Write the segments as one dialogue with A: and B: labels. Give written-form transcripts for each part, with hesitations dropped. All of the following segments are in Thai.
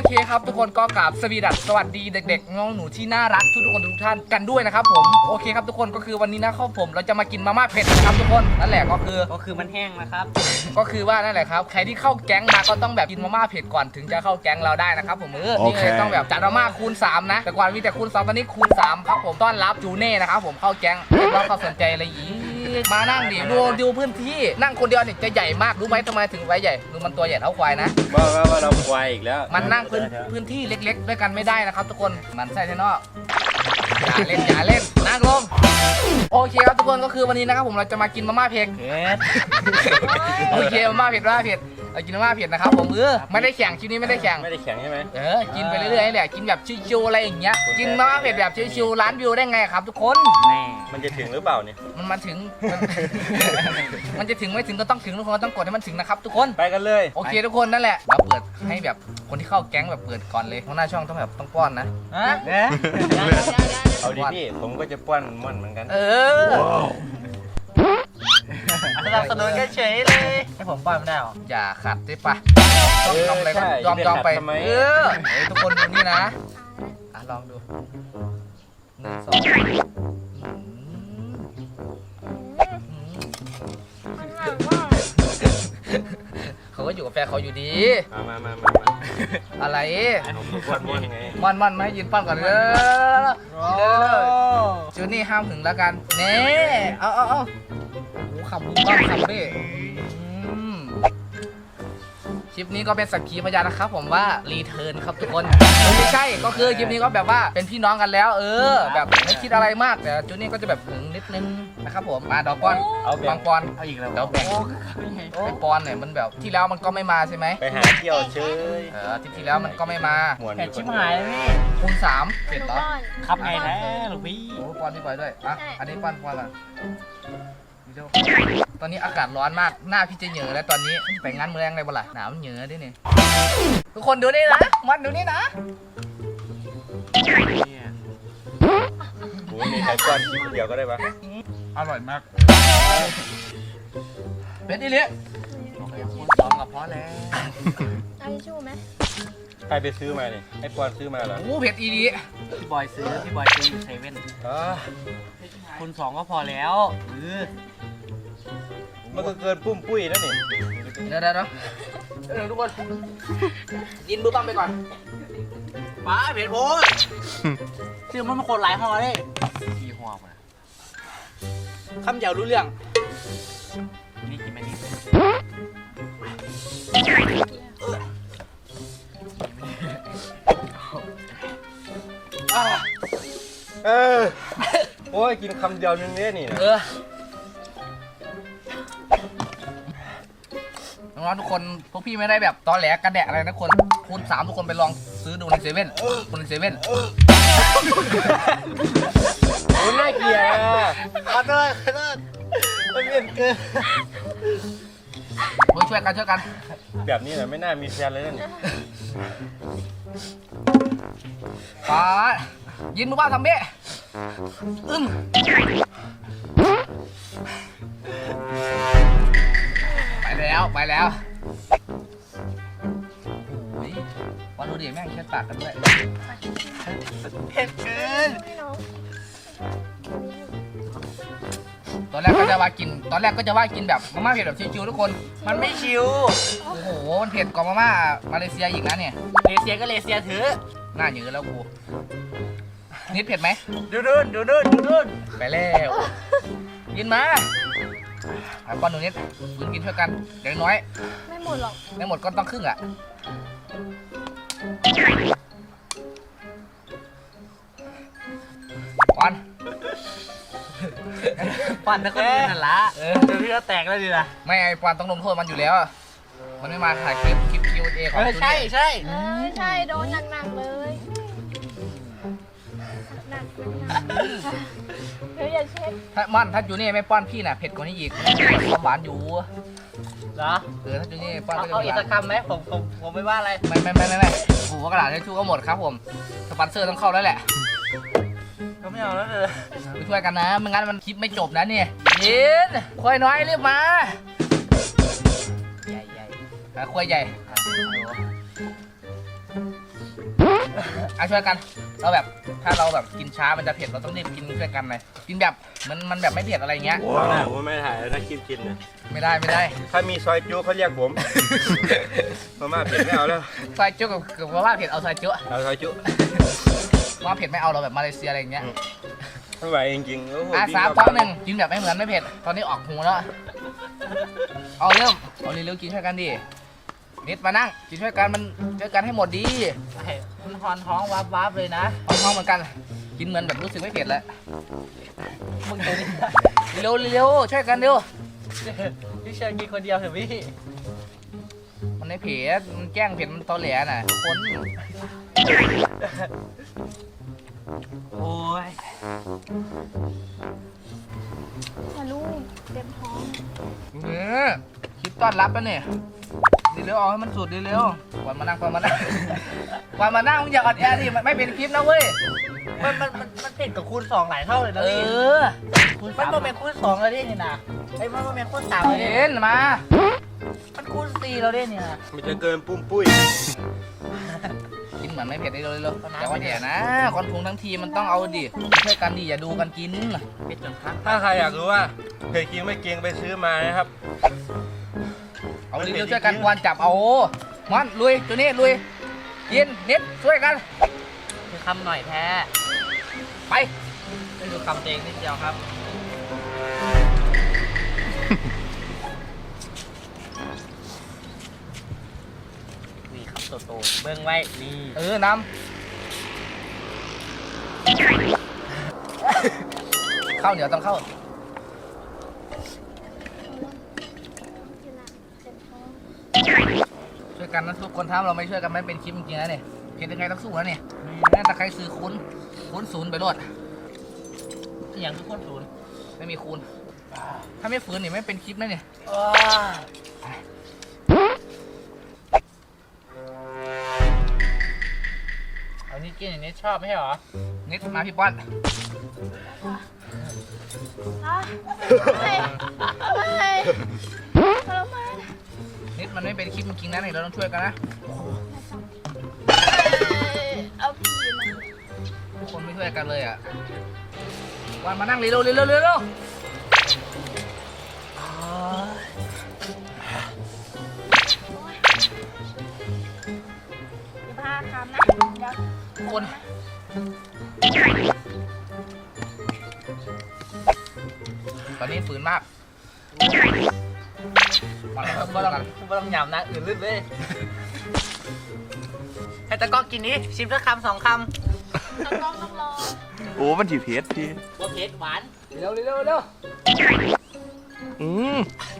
A: เคครับทุกคนก็กราบสวัสดีเด็กๆน้องหนูที่น่ารักทุกคนทุกท่านกันด้วยนะครับผมโอเคครับทุกคนก็คือวันนี้นะครับผมเราจะมากินมาม่าเผ็ดนะครับทุกคนนั่นแหละก็คือ
B: มันแห้งนะครับ
A: ก็คือว่านั่นแหละครับใครที่เข้าแก๊งมาก็ต้องแบบกินมาม่าเผ็ดก่อนถึงจะเข้าแก๊งเราได้นะครับผมนี่เลยต้องแบบจัดมาม่าคูณ3นะแต่ก่อนมีแต่คูณ2ตอนนี้คูณ3ครับผมต้อนรับจูเน่นะครับผมเข้าแก๊งแล้วเขาสนใจอะไรอีกมานั่งดิดูพื้นที่นั่งคนเดียวเนี่ยจะใหญ่มากรู้ไหมทำไมถึงไว้ใหญ่ดูมันตัวใหญ่เท่าควายนะ
C: ว่าเราควายอีกแล้ว
A: มันนั่งพื้นที่เล็กๆด้วยกันไม่ได้นะครับทุกคนมันใส่แท่นอกอย่าเล่นนั่งลงโอเคครับทุกคนก็คือวันนี้นะครับผมเราจะมากินมาม่าเผ็ดโอเคมาม่าเผ็ดเรากินมาม่าเผ็ดนะครับผมไม่ได้แข่งชิ้นนี้ไม่ได้แข่ง
C: ใช่ไหม
A: กินไปเรื่อยๆแหละกินแบบชิวๆอะไรอย่างเงี้ยกินมาม่าเผ็ดแบบชิวๆล้านวิวได้ไงครับทุกคน
C: มันจะถึงหรือเปล่าเนี่ย
A: มันถึงมันจะถึงไม่ถึงก็ต้องถึงทุกคนต้องกดให้มันถึงนะครับทุกคน
C: ไปกันเลย
A: โอเคทุกคนนั่นแหละเราเปิดให้แบบคนที่เข้าแก๊งแบบเปิดก่อนเลยหัวหน้าช่องต้องแบบต้องป้อนนะ
C: เอาดิพี่ผมก็จะป้อนม่อนเหมือนกัน
B: สนับสนุนกันเฉยเลยให้ผมป้อนไม่ได้หรอ
A: อย่าขัดได้ปะต้องอะไรก็ยอมไปทุกคนดูนี่นะลองดู1 2เขาก็อยู่กับแฟนเขาอยู่ดี
C: มา
A: อะไร
C: ม่อนไง
A: มันไม่ยืนปั้นก่อนจูนี่ห้ามถึงแล้วกันเน่เอาคำบุ้งบ้างคำดิคลิปนี้ก็เป็นสักขีพยานนะครับผมว่ารีเทิร์นครับทุกคนไม่ใช่ก็คือคลิปนี้ก็แบบว่าเป็นพี่น้องกันแล้วแบบไม่คิดอะไรมากแต่จูนี่ก็จะแบบหึงนิดนึงนะครับผมมาดอกปอนเอาบางปอน
B: เอาอีกแล้ว
A: เดี๋ยวแบ่งไอปอนเนี่ยมันแบบที่แล้วมันก็ไม่มาใช่ไหม
C: ไปหาเที่ยวเฉย
A: ที่แล้วมันก็ไม่มา
B: แผ่ชิบหายพี่
A: คูณ3เสร็จเหรอ
B: ครับไงนะหลวงพี่
A: โอ้ปอนที่ไปด้วยอันนี้ปอนอ่ะตอนนี้อากาศร้อนมากหน้าพี่จะเหงื่อแล้วตอนนี้ไปงานเมืองอะไรบ้างล่ะหนาวเหงื่อด้วยนี่ทุกคนดูนี่นะมันดูนี่นะ
C: โอ้ยมีใครป้อนกินเดียวก็ได้ปะ
A: อร่อยมากเป็นอีเลี้ยคูณ2กับพอแล้ว
D: เอาทิชชู่ไหม
C: ใครไปซื้อมาเนี่ยไอ้ปอนซื้อมาเหรอ
A: โอ้เผ็ดอีดี
B: พี่บอยซื้ออยู่เซเว่นคูณ2ก็พอแล้ว
C: มันก็เกินปุ้มปุ้ยแล้วนี่
A: เดี๋ยวทุกคนกินบื้อปั้มไปก่อน
B: ป้าเผ็ดโอ้ยซื้อมันมาคนหลายห่อเลยกี่ห่อมา
A: คำเดียวรู้เรื่อง
B: นี่กินไม่ดี
C: โอ้ยกินคำเดียวนึงเนี่ยนี่
A: น้องๆทุกคนพวกพี่ไม่ได้แบบตอแหลกระแดะอะไรนะคนคูณ3ทุกคนไปลองซื้อดูในเซเว่น
C: โอ้ยน่าเกลียด
B: ขอโทษมันเผ็ดเกิน
A: ช่วยกัน
C: แบบนี้แหละไม่น่ามีแฟนเลยนั่น
A: ป้ายินมือบ้าทำเบ้ไปแล้วโอ้ยวันดูดิแม่งแค่ปากกันด้วย
B: เผ็ดเกิน
A: ตอนแรกก็จะว่ากินแบบมาม่าเผ็ดแบบชิวๆทุกคน
B: มันไม่ชิว
A: โอ้โหมันเผ็ดกว่ามาม่ามาเลเซียอีกนะเนี่ย
B: เลเซียก็เลเซียเถอะ
A: หน้าเหนือแล้วกูนิดเผ็ดไหม
B: ดูนู่น
A: ไปแล้วกินมาก้อนหนูนิดกินช่วยกันเดี๋ยวน้อย
D: ไม่หมดหรอก
A: ไม่หมดก็ต้องครึ่งอ่ะ
B: ปันนะคนอื่นนั่นละเดี๋ยวพี่ก็แตกแล้วดิล่ะ
A: ไม่ไอ้ปอนต้องลงโทษมันอยู่แล้วมันไม่มาถ่ายคลิป Q&A ของ
B: ใ
D: ช่โดนหนักเลยหนักเดี๋ยวอย่าเช็ค
A: ถ้าจูนี่ไม่ป้อนพี่น่ะเผ็ดกว่านี้อีกความหวานอยู่
B: เหรอ
A: ถ้าจูนี่ป้อน
B: เอาอีกสักคำไหมผมไม่ว่าอะไร
A: ไม่โอ้โหกระดาษทิชชู่ก็หมดครับผมสปอนเซอร์ต้องเข้าแล้วแหละ
B: ก็ไม่เอาแล้วเลย
A: ไปช่วยกันนะไม่งั้นมันคลิปไม่จบนะเนี่ยยินควายน้อยรีบมา
B: ใหญ่
A: ควายใหญ่ช่วยกันเราแบบถ้าเราแบบกินช้ามันจะเผ็ดเราต้องรีบกินช่วยกันเลยกินแบบมันแบบไม่เผ็ดอะไรเงี้ย
C: ผมไม่ถ่ายถ้าคลิปกินเนี่ย
A: ไม่ได้
C: ถ้ามีซอยจุเขาเรียกผมมาม่าเผ็ดไม่เอาแล้ว
A: ซอยจุกับว่าเผ็ดเอาซอยจุ
C: เอาซอยจุ
A: ว่าเผ็ดไม่เอาเราแบบมาเลเซียอะไรอย่างเงี้ย
C: ไม่ไหวจริงๆโอ้โห
A: 3 2 1กินแบบไม่เหมือนไม่เผ็ดตอนนี้ออกหูแล้วเอาเริ่มเอาเร็วๆกินช่วยกันดินิดมานั่งกินช่วยกันมันช่วยกันให้หมดดี
B: มันหอนท้องวับเลยนะ
A: ท้องเหมือนกันกินเหมือนแบบรู้สึกไม่เผ็ดแล้ว
B: มึงเดี๋ยวนี้
A: เร็วช่วยกันเร็ว
B: พี่เชิญกินคนเดียวเถอะพี่
A: มันไม่เผ็ดมันแกล้งเผ็ดมันตอแหลน่ะคน
B: โอ้ย
D: แต่ลูกเต็มท้อง
A: คลิปต้อนรับแล้วเนี่ยดีเร็วเอาให้มันสุดดีเร็วก่อนมานั่งก่อนมานั่งมึงอย่าอดแอร์ดิมันไม่เป็นคลิปนะเว้ย
B: มันเผ็ดกับคูณ2หลายเท่าเลยนะ
A: เอ
B: พี่
A: อ
B: มันโมเมนต์คูณ2แล้วดินี่นะไอ้มันโมเมนต์คูณ3แล้วดิ
A: เห็นมา
B: มันคูณ4แล้วดิเนี่ย
C: มันจะเกินปุ้มปุ้ย
A: กินเหมือนไม่เผ็ดได้เร็วแต่ว่าเดี๋ยวนะคนปรุงทั้งทีมันต้องเอาดิช่วยกันดิอย่าดูกันกิน
B: เผ็ดจนพัก
C: ถ้าใครอยากรู้ว่าเผ็ดจริงไม่เกรงไปซื้อมานะครับ
A: เอาเร็วๆช่วยกันวันจับเอามันลุยตัวนี้ลุยกินนิดช่วยกัน
B: คือคำหน่อยแท้
A: ไป
B: ไม่ดูคำเองนิดเดียวครับ นี่ครับโตๆเบิ้งไว้ นี่
A: น้ำข้าวเหนียวต้องเข้า
D: เต็มท้อง
A: ช่วยกันนะทุกคนถ้าเราไม่ช่วยกันไม่เป็นคลิปจริงๆนะเนี่ยเห็นยังไงต้องสู้นะเนี่ยแม่ตะใครซื้อคูณศูนย์ไปรวด
B: อย่างทุกคนศูนย์
A: ไม่มีคูณถ้าไม่ฝืนนี่ไม่เป็นคลิปนะเนี่ย
B: เอานี่กินอย่างนี้ชอบไม่ใช่เหรอ
A: นิดมาพี่ป้อน
D: อ่ะไม่ไม่ทรมาน
A: นิดมันไม่เป็นคลิปจริงๆนะเนี่ยเราต้องช่วยกันนะ
D: เอาผีมา
A: ทุกคนไม่ช่วยกันเลยอ่ะวันมานั่งเร็วๆเร็วๆเร็ว
D: 15 คำนะ เดี๋ยว
A: ๆทุกคนตอนนี้ฝืนมากมาแล้วครับ
B: ไม่ต้องหยำนะอื่นลึกเลยให้ตะก้อกินนี้ชิมสักคำ2 คำ
D: ต้องรอ
C: โอ้มันถีเพชรพี่
B: ว่าเผ็ดหวาน
A: เร็วๆเร็วๆเร็ว
C: อืม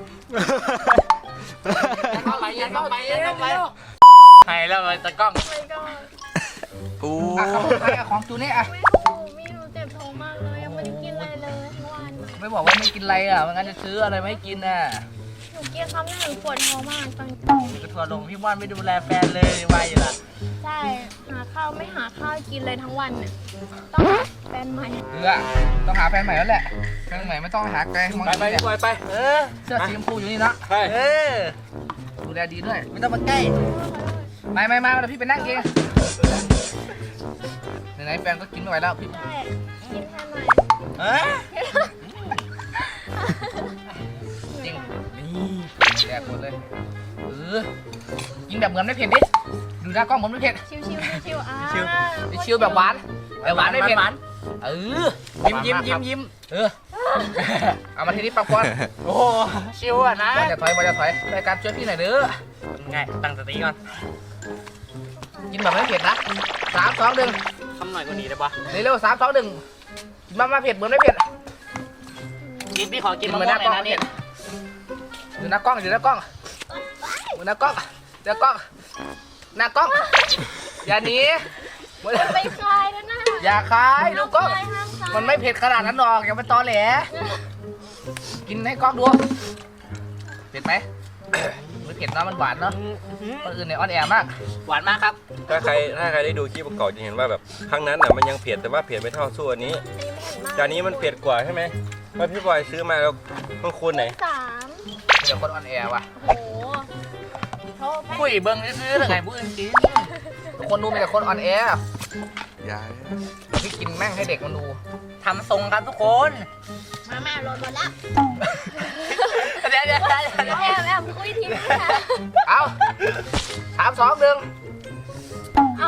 B: เข้าไปยันเข้าไปยันเข้าไปให้แล้วตะก้อง
D: ไปก่อน
C: โอ้
A: อ่ะครับผมให้ของจูนี่อ่ะ
D: ไม่รู้เจ็บท้องมากเลยยังไม่ได้กินอะไรเลยทั้งวัน
A: ไม่บอกว่าไม่กินอะไรอ่ะไม่งั้นจะซื้ออะไรไม่กินอ่ะ
D: หนูกินคำแรกหนูปวดท้องมากตอน
B: กระทัวลงพี่ว่านไม่ดูแลแฟนเลยวายอยู่ล่ะ
D: ใช่หาข้าวไม่หาข้าวกินเลยทั้งวันเนี่ยต้องหาแฟนใหม่
A: ต้องหาแฟนใหม่แล้วแหละแฟนใหม่ไม่ต้องหาไกลมอง
C: ไป
A: นี่
C: ไป
A: เนี่ย
C: ไป
B: เออ
A: เสื้อสีชมพูอยู่นี่นะ
C: ไป
B: เออ
A: ดูแลดีด้วย
B: ไม่ต้องมาใกล้
A: ไม่เดี๋ยวพี่ไปนั่งเองไหนๆแฟนก็กินไม่ไหวแล้วพี่
D: ใช่กินแฟนใหม่
B: เออ
A: จริงแดกหมดเลยกินแบบเหมือนไม่เผ็ดดิดูหน้ากล้องเหมือนไม่เผ็ด
D: ชิวๆอ่า
A: ชิวแบบหวานแต่หวานไม่เผ็ดยิ้มเอามาทีนี้ปังปอน
B: โอ้โหชิวอ่ะนะ
A: ว่าจะถอยรายการช่วยพี่หน่อยเด้อ
B: ไงตั้งสติก่อน
A: กินแบบไม่เผ็ดนะ3 2 1
B: คำหน่อยก็ดีได้ปะ
A: เร็วๆ3 2 1มาเผ็ดเหมือนไม่เผ็ด
B: กินพี่ขอกิน
A: เห
B: มะ
A: มือน
B: ม่
A: ห
B: ว
A: น้าง
B: ห
A: ก
B: น่
A: ล้
B: อ
A: อย ง
B: นะนี่
A: ดูหน้ากล้องดูหน้ากล้องหน้ากล้องอย่าหนี
D: ไปคลายแล้วนะ
A: อย่าคายดูกล้อง
D: คลายห้ามคลาย
A: มันไม่เผ็ดขนาดนั้นหรอกอย่าไปตอแหลกินให้กล้องดูเผ็ดไหมไม่เผ็ดนะมันหวานเนาะคนอื่นเนี่ยอ่อนแอมาก
B: หวานมากครับ
C: ถ้าใครได้ดูคลิปประกอบจะเห็นว่าแบบครั้งนั้นน่ะมันยังเผ็ดแต่ว่าเผ็ดไม่เท่าสู้อันนี้
D: อันนี้ไม่เห็นมาก
C: จานนี้มันเผ็ดกว่าใช่ไหมว่าพี่บอยซื้อมาแล้วมันคูณไหน
D: 3
A: เดี๋ยวคนอ่อนแอว่ะ
D: โอ้โหโทษ
B: คุยเบิ้งซื้อๆเลยไงผู้อื่นกิน
A: ทุกคนดูมีแต่คนอ่อนแอ
E: อย่า
A: พี่กินแม่งให้เด็กมันดู
B: ทำทรงครับทุกคน
D: มาแม่โรยหมดแล้ว
B: เดี๋ยว
D: แอบคุยทีนี้ค่ะ
A: เอา3 2 1
D: เอา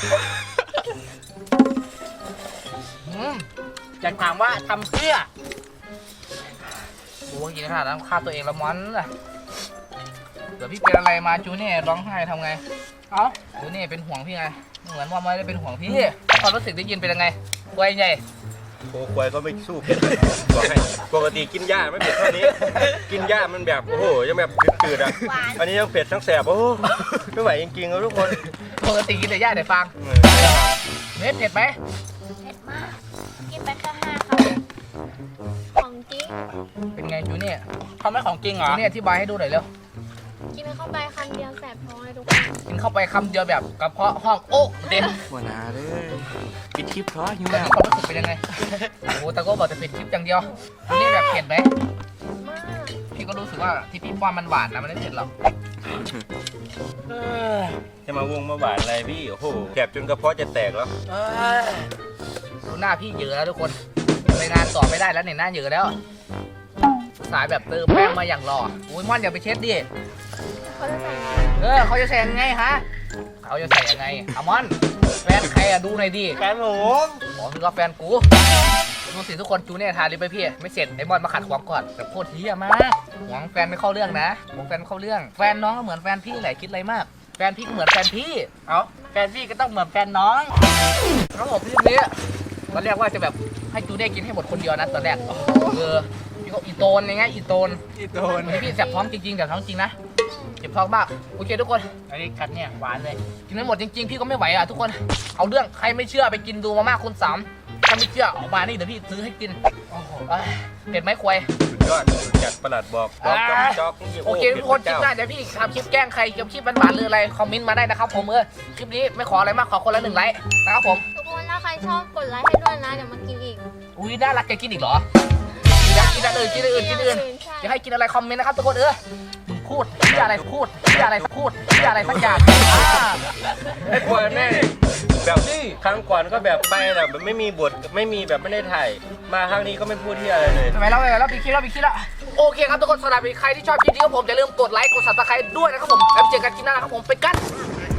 B: อยากถามว่าทำเพื่อ
A: โอ้ยกินขนาดนั้นฆ่าตัวเองละมันล่ะเดี๋ยวพี่เป็นอะไรมาจูเน่ร้องไห้ทำไง
B: เอ้า
A: จูเน่เป็นห่วงพี่ไงเหมือนว่าไม่ได้เป็นห่วงพี่ความรู้สึกได้ยินเป็นยังไงควายใหญ่
C: โคควายก็ไม่สู้เผ็ดเลยบอกให้ปกติกินหญ้าไม่เผ็ดเท่านี้ กินหญ้ามันแบบโอ้โหยังแบบจืดๆอ่ะอันนี้ยังเผ็ดทั้งแสบโอ้โหไม่ไหวจริงๆครับทุกคน
A: ปกติกินแต่ย่าแต่ฟางเผ็ดไหม
D: เผ็ดมาก กินไปแค่5 คำของจริง
A: เป็นไงจูเน่
B: เขาไม่ของจริงเหรอ
A: จูเน่อธิบายให้ดูหน่อยเร็ว
D: กินเข้าไปคำเดียวแสบท้องเลยทุกคน
A: กินเข้าไปคำเดียวแบบกระเพาะห้องโอ๊กเด็ด
E: หัวหน้าเลยปิดคลิปเพราะหิว
A: แต่
E: แล้ว
A: นี่ความรู้สึกเป็นยังไงโอ้โหแต่ก็บอกจะเป็นคลิปอย่างเดียวจูเน่แบบเผ็ดไหม
D: มาก
A: พี่ก็รู้สึกว่าที่พี่ป้อนมันหวานนะมันไม่เผ็ดหรอก
C: จะมาวงมาหวานอะไรพี่โอ้โหแสบจนกระเพาะจะแตกแล้ว
A: ดูหน้าพี่เยอะแล้วทุกคนไปงานต่อไม่ได้แล้วเนี่ยหน้าเยอะแล้ว สายแบบเติมแป้งมาอย่างหล่ออุ้ยม่อนอย่าไปเช็ดดิ
D: เขาจะใส่ไง
A: เขาจะใส่ยังไงฮะเขาจะใส่ยังไงอะม่อนแฟนใครอะดูหน่อยดิ
B: แฟนผม
A: อ๋อคือว่าแฟนกูดูสิทุกคนจูเน่ทาลิปไปพี่ไม่เสร็จไอ้มอนมาขัดขวางก่อนแต่โคตรเฮี้ยมากหวงแฟนไม่เข้าเรื่องนะหวงแฟนไม่เข้าเรื่อง แฟนน้องก็เหมือนแฟนพี่แหละคิดอะไรมาก แฟนพี่ก็เหมือนแฟนพี่
B: เอ้าแฟนพี่ก็ต้องเหมือนแฟนน้อง
A: ครับผมพี่นี้ตอนแรกว่าจะแบบให้จูเน่กินให้หมดคนเดียวนะตอนแรกพี่ก็อีโตนอย่างเงี้ยอีโตน
B: ที่โดน
A: วันนี้พี่แสบท้องจริงๆแสบท้องจริงนะเจ็บท้องมากโอเคทุกคน
B: อันนี้กัดเนี่ยหวานเลย
A: กินไม่หมดจริงๆพี่ก็ไม่ไหวอ่ะทุกคนเอาเรื่องใครไม่เชื่อไปกินดูมาม่าคุณ3ถ้าไม่เชื่อออกมานี่เดี๋ยวพี่ซื้อให้กินโอ้โหเผ็ดไหมควาย
C: สุดยอดจัดประหลัดบอกจ๊อกนี่
A: โอเคทุกคนคลิปหน้าเดี๋ยวพี่ทำคลิปแกล้งใครเกี่ยวกับคลิปหวานๆหรืออะไรคอมเมนต์มาได้นะครับผมคลิปนี้ไม่ขออะไรมากขอคนละ1 ไลค์นะครับผม
D: ทุกคนถ้าใครชอบกดไลค์ให้ด้วยนะ เดี๋ยวมากินอีก
A: อุ้ยน่ารักแกกินอีกเหรอกินอันอื่นจะให้กินอะไรคอมเมนต์นะครับทุกคนมึงพูดที่อะไรพูดที่อะไรพูดที่อะไรสักอย่าง
C: ไอ้ควายแม่แบบครั้งก่อนก็แบบไปแบบไม่มีบทไม่มีแบบไม่ได้ถ่ายมาครั้งนี้ก็ไม่พูดที่อะไรเลย
A: ทำไมเราปีคลิปแล้วโอเคครับทุกคนสำหรับใครที่ชอบคลิปนี้ครับผมอย่าลืมกดไลค์กดซับสไครต์ด้วยนะครับผมแล้วเจอกันคลิปหน้านะครับผมไปกัน